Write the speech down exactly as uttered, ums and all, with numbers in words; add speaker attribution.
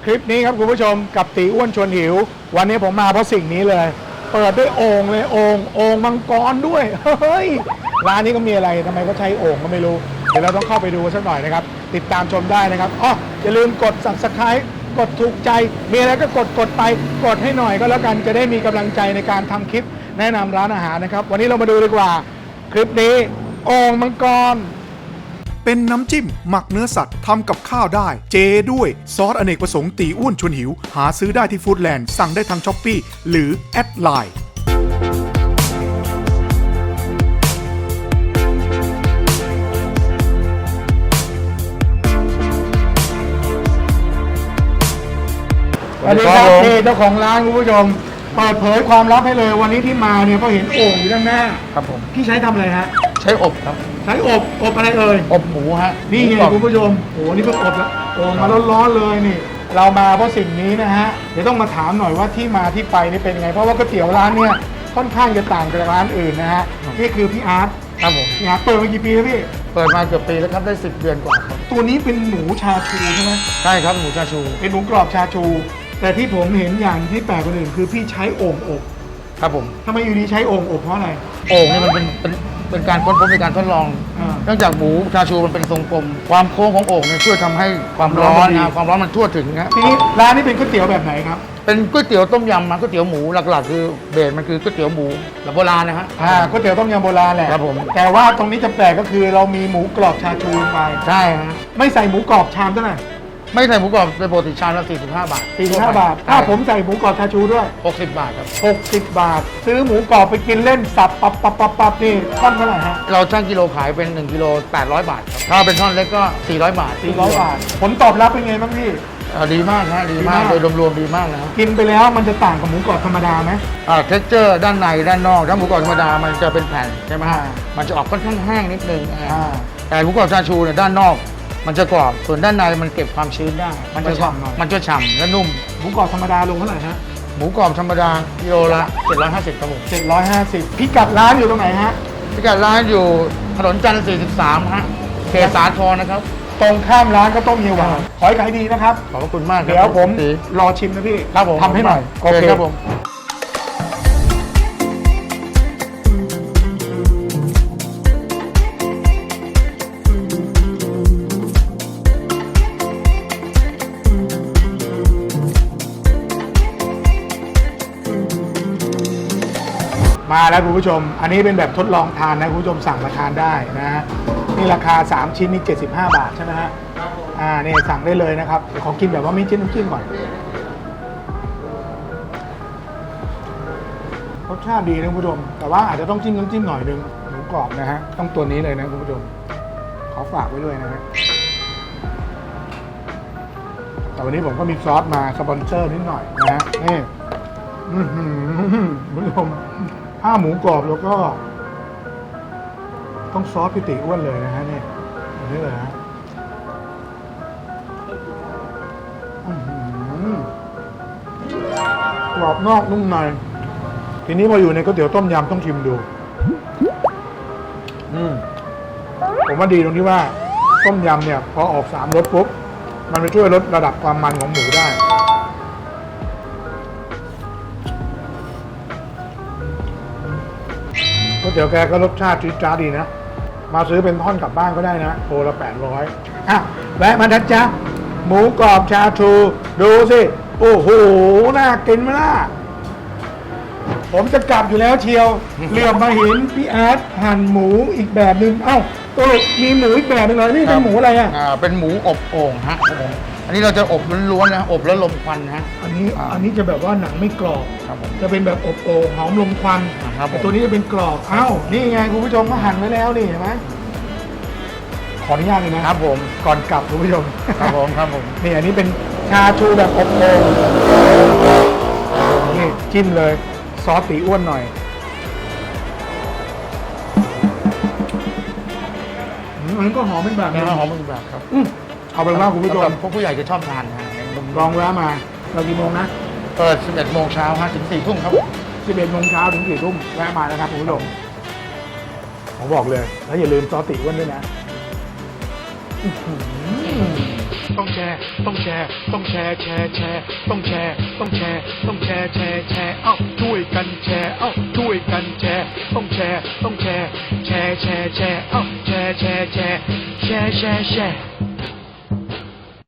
Speaker 1: คลิปนี้ครับคุณผู้ชมกับตีอ้วนชวนหิววันนี้ผมมาเพราะสิ่งนี้เลยเปิดด้วยโอ่งเลยโอ่งโอ่งมังกรด้วยเฮ้ยร้านนี้ก็มีอะไรทำไมก็ใช้โอ่งก็ไม่รู้เดี๋ยวเราต้องเข้าไปดูสักหน่อยนะครับติดตามชมได้นะครับอ๋ออย่าลืมกด ซับสไครบ์ กดถูกใจมีอะไรก็กดกดไปกดให้หน่อยก็แล้วกันจะได้มีกำลังใจในการทำคลิปแนะนำร้านอาหารนะครับวันนี้เรามาดูดีกว่าคลิปนี้โอ่งมังกรเป็นน้ำจิ้มหมักเนื้อสัตว์ทำกับข้าวได้เจด้วยซอสอเนกประสงค์ตีอ้วนชวนหิวหาซื้อได้ที่ฟู้ดแลนด์สั่งได้ทางช้อปปี้หรือแอดไลน์สวัสดีครับนี่เจ้าของร้านคุณผู้ชมเปิดเผยความลับให้เลยวันนี้ที่มาเนี่ยเพราะเห็นโอ่งอยู่ด้านหน้า
Speaker 2: ครับผม
Speaker 1: พี่ใช้ทำอะไรฮะ
Speaker 2: ใช้อบครับ
Speaker 1: ใช้อบอบอะไรเอ่ย
Speaker 2: อบหมูฮะ
Speaker 1: นี่ไงคุณผู้ชมโอ้นี่เพิ่งอบแล้วโอ่งมาร้อนๆเลยนี่เรามาเพราะสิ่งนี้นะฮะเดี๋ยวต้องมาถามหน่อยว่าที่มาที่ไปนี่เป็นไงเพราะว่าก๋วยเตี๋ยวร้านเนี่ยค่อนข้างจะต่างจากร้านอื่นนะฮะนี่คือพี่อาร์ต
Speaker 2: ครับผม
Speaker 1: พี่อาร์ตเปิดมากี่ปีแล้วพี่
Speaker 2: เปิดมาเกือบปีแล้วครับได้สิบเดือนกว่าครับ
Speaker 1: ตัวนี้เป็นหมูชาชูใช่ไหม
Speaker 2: ใช่ครับหมูชาชู
Speaker 1: เป็นหมูกรอบชาชูแต่ที่ผมเห็นอย่างที่แปลกกว่าอื่นคือพี่ใช้โอ่งอบ
Speaker 2: ครับผม
Speaker 1: ทำไมอยู่ดีใช้โอ่งอบเพราะอะไร
Speaker 2: โอ่งนี่มันเป็นเป็นเป็นการค้นพบในการทดลองเนื่องจากหมูชาชูมันเป็นทรงกลมความโค้งของโอ่งเนี่ยช่วยทำให้ความร้อนนะความร้อนมันทั่วถึงนะ
Speaker 1: ทีนี้ร้านนี้เป็นก๋วยเตี๋ยวแบบไหนครับ
Speaker 2: เป็นก๋วยเตี๋ยวต้มยำมาก๋วยเตี๋ยวหมูหลักๆคือเบสมันคือก๋วยเตี๋ยวหมูแบบโบราณนะฮะ
Speaker 1: อ่าก๋วยเตี๋ยวต้มยำโบราณแหละ
Speaker 2: ครับผม
Speaker 1: แต่ว่าตรงนี้จะแปลกก็คือเรามีหมูกรอบชาชูลงไป
Speaker 2: ใช่ฮะ
Speaker 1: ไม่ใส่หมูกรอบชามเท่าไหร่
Speaker 2: ไม่ใส่หมูกรอบเป็นปกติชามละสี่สิบห้าบาท
Speaker 1: สี่สิบห้าบาทถ้าผมใส่หมูกรอบชาชูด้วย
Speaker 2: หกสิบบาทครับ
Speaker 1: หกสิบบาทซื้อหมูกรอบไปกินเล่นสับปับปับปับปับนี่ท่อนเท่าไหร่ฮะ
Speaker 2: เราช่างกิโลขายเป็นหนึ่งกิโลแปดร้อยบาทครับถ้าเป็นท่อนเล็กก็สี่ร้อยบาท
Speaker 1: สี่ร้อยบาทผลตอบรับเป็นไงบ้างพี่
Speaker 2: ดีมากฮะดีมากโดยรวมๆดีมากนะ
Speaker 1: กินไปแล้วมันจะต่างกับหมูกรอบธรรมดาไหม
Speaker 2: อ่าเท็กเจอร์ด้านในด้านนอกถ้าหมูกรอบธรรมดามันจะเป็นแผ่นใช่ไหมฮะมันจะออกค่อนข้างแห้งนิดนึงแต่หมูกรอบชาชูเนี่ยด้านนอกมันจะกรอบส่วนด้านในมันเก็บความชื้นได้
Speaker 1: มันจะฉ่ำหน่อย
Speaker 2: มันจะฉ่ำและนุ่ม
Speaker 1: หมูกรอบธรรมดาลงเท่าไหร่ฮะ
Speaker 2: หมูกรอบธรรมดากิโลละเจ็ดร้อยห้าสิบครับผม
Speaker 1: เจ็ดร้อยห้าสิบพิกัดร้านอยู่ตรงไหนฮะ
Speaker 2: พิกัดร้านอยู่ถนนจันทร์สี่สิบสามฮะเขตสาทรนะครับ
Speaker 1: ตรงข้ามร้านก็ต้มเฮียหวานขอให้ขายดีนะครับ
Speaker 2: ขอบคุณมาก
Speaker 1: เดี๋ยวผมรอชิมนะพี่
Speaker 2: ครับผม
Speaker 1: ทำให้หน่อย
Speaker 2: โอเคครับผม
Speaker 1: มาแล้วคุณผู้ชมอันนี้เป็นแบบทดลองทานนะคุณผู้ชมสั่งมาทานได้นะฮะนี่ราคาสามชิ้นนี่เจ็ดสิบห้าบาทใช่ไหมฮะอ่านี่สั่งได้เลยนะครับขอกินแบบว่าไม่จิ้มน้ำจิ้มก่อนรสชาติดีนะคุณผู้ชมแต่ว่าอาจจะต้องจิ้มน้ำจิ้มหน่อยนึงหมูกรอบนะฮะต้องตัวนี้เลยนะคุณผู้ชมขอฝากไว้ด้วยนะฮะแต่วันนี้ผมก็มีซอสมาสปอนเซอร์นิดหน่อยนะฮะนี่คุณผู้ชมถ้าหมูกรอบแล้วก็ต้องซอสพิติอ้วนเลยนะฮะนี่แบบนี้เลยฮะกรอบนอกนุ่มในทีนี้พออยู่ในก๋วยเตี๋ยวต้มยำต้องชิมดูอืมผมว่าดีตรงที่ว่าต้มยำเนี่ยพอออกสามรสปุ๊บมันไปช่วยลดระดับความมันของหมูได้ก๋วยเตี๋ยวแกก็รสชาติจี๊ดจ๊าดดีนะมาซื้อเป็นท่อนกลับบ้านก็ได้นะโลละแปดร้อยอ่ะแวะมาทัดจ้ะหมูกรอบชาชูดูสิโอ้โหน่ากินไหมล่ะผมจะกลับอยู่แล้วเชียวเหลือบมาเห็นพี่อาร์ตหั่นหมูอีกแบบหนึ่งเอ้าตัวมีหมูอีกแบบหนึ่งเลยนี่เป็นหมูอะไรอ่ะ
Speaker 2: อ่าเป็นหมูอบโอ่งฮะอันนี้เราจะอบล้วนๆนะอบแล้วลมควันฮะ
Speaker 1: อันนี้อันนี้จะแบบว่าหนังไม่กรอบ
Speaker 2: ครับผม
Speaker 1: จะเป็นแบบอบโอ่งหอมลมควันแต่ตัวนี้จะเป็นกรอบเอ้านี่ไงคุณผู้ชมก็หั่นไว้แล้วนี่เห็นไหมขออนุญาตเลยนะครับ
Speaker 2: ผม
Speaker 1: ก่อนกลับคุณผู้ชม
Speaker 2: ครับผมครับผม
Speaker 1: นี่อันนี้เป็นชาชูแบบอบโอ่งนี่จิ้มเลยซอสตีอ้วนหน่อยอันนี้ก็หอมเป็นแบบนี้
Speaker 2: หอมเป็นแบบครับ
Speaker 1: เอาเป็นว่าคุณผู้ชม
Speaker 2: พวกผู้ใหญ่จะชอบทานนะ
Speaker 1: ลองแวะมาเรากี่โมงนะ
Speaker 2: เปิดสิบเอ็ดโมงเช้าฮะถึงสี่ทุ่มครับ
Speaker 1: สิบเอ็ดโมงเช้าถึงสี่ทุ่มแวะมานะครับคุณผู้ชมผมบอกเลยแล้วอย่าลืมซอสตีอ้วนด้วยนะต้องแชร์ต้องแชร์ต้องแชร์แชร์แชร์ต้องแชร์ต้องแชร์ต้องแชร์แชร์แชร์เอ้าช่วยกันแชร์เอ้าช่วยกันแชร์ต้องแชร์ต้องแชร์แชร์แชร์แชร์เอ้าแชร์แชร์แชร์แชร์แชร์แชร์